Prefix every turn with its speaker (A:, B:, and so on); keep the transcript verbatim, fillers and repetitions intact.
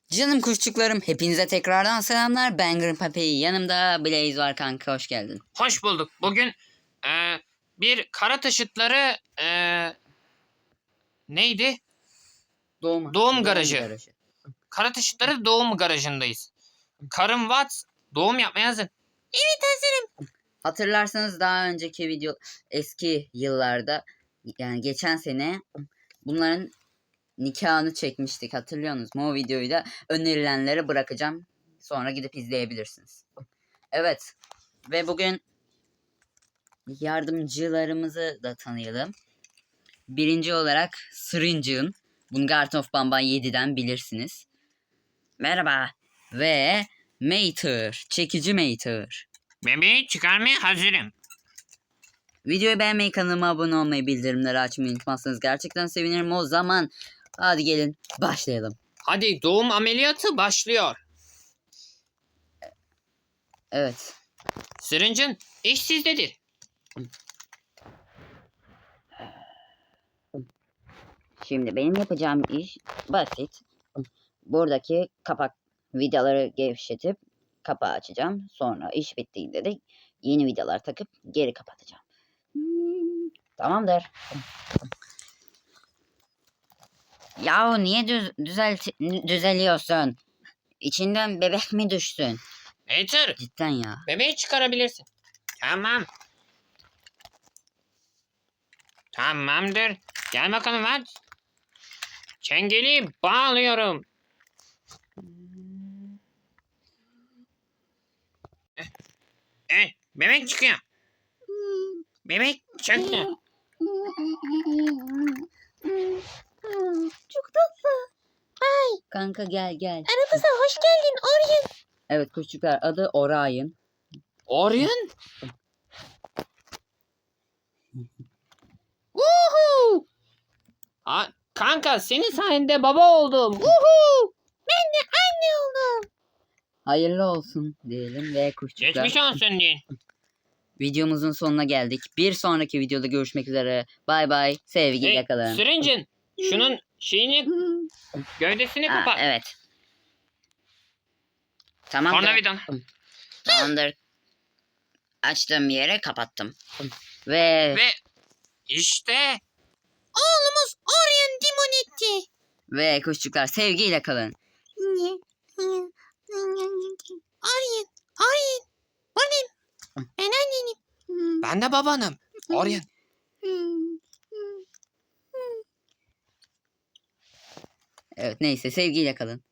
A: Canım kuşçuklarım, hepinize tekrardan selamlar. Ben Grandpappy, yanımda Blaze var kanka, hoş geldin.
B: Hoş bulduk. Bugün e, bir kara taşıtları e, neydi?
A: Doğum,
B: Doğum garajı. Kara taşıtları doğum garajındayız. Karım Watts doğum yapmaya hazır. Evet, hazırım.
A: Hatırlarsanız daha önceki video, eski yıllarda, yani geçen sene bunların nikahını çekmiştik, hatırlıyorsunuz mu? O videoyu da önerilenlere bırakacağım. Sonra gidip izleyebilirsiniz. Evet, ve bugün yardımcılarımızı da tanıyalım. Birinci olarak Syringe'ın. Bunu Garten of Banban yediden bilirsiniz. Merhaba. Ve Mater. Çekici Mater.
B: Bebeği çıkarmaya hazırım.
A: Videoyu beğenmeyi, kanalıma abone olmayı, bildirimleri açmayı unutmazsanız gerçekten sevinirim. O zaman hadi gelin başlayalım.
B: Hadi, doğum ameliyatı başlıyor.
A: Evet.
B: Syringe'ın iş sizdedir.
A: Şimdi benim yapacağım iş basit. Buradaki kapak vidaları gevşetip kapağı açacağım. Sonra iş bittiğinde de yeni vidalar takıp geri kapatacağım. Hmm, tamamdır. Yahu niye düz, düzelt, düzeliyorsun? İçinden bebek mi düşsün?
B: Mater,
A: Cidden ya.
B: bebeği çıkarabilirsin. Tamam. Tamamdır. Gel bakalım Watts. Çengeli bağlıyorum. Eh, eh, bebek çıkıyor. Bebek çıktı.
A: Çok tatlı. Ay. Kanka gel gel.
C: Aramıza hoş geldin Orion.
A: Evet kuşçuklar, adı Orion.
B: Orion?
C: Uhu.
B: Ha, kanka senin sayende baba oldum. Uhu.
C: Ben de anne oldum.
A: Hayırlı olsun diyelim ve kuşçuklar.
B: Geçmiş olsun deyin.
A: Videomuzun sonuna geldik. Bir sonraki videoda görüşmek üzere. Bay bay. Sevgiyle
B: Hey,
A: kalın.
B: Syringe'ın şunun şeyini, gövdesini
A: Ha,
B: kapat.
A: evet. Tamamdır.
B: Tornavidan.
A: Tamamdır. Açtığım yere kapattım. Ve
B: Ve işte
C: Oğlumuz Orion Dimonetti.
A: ve kuşçuklar, sevgiyle kalın.
C: Orion. Orion. Benim. Ben annenim.
B: ben de babanım. Orion.
A: Evet, neyse, sevgiyle kalın.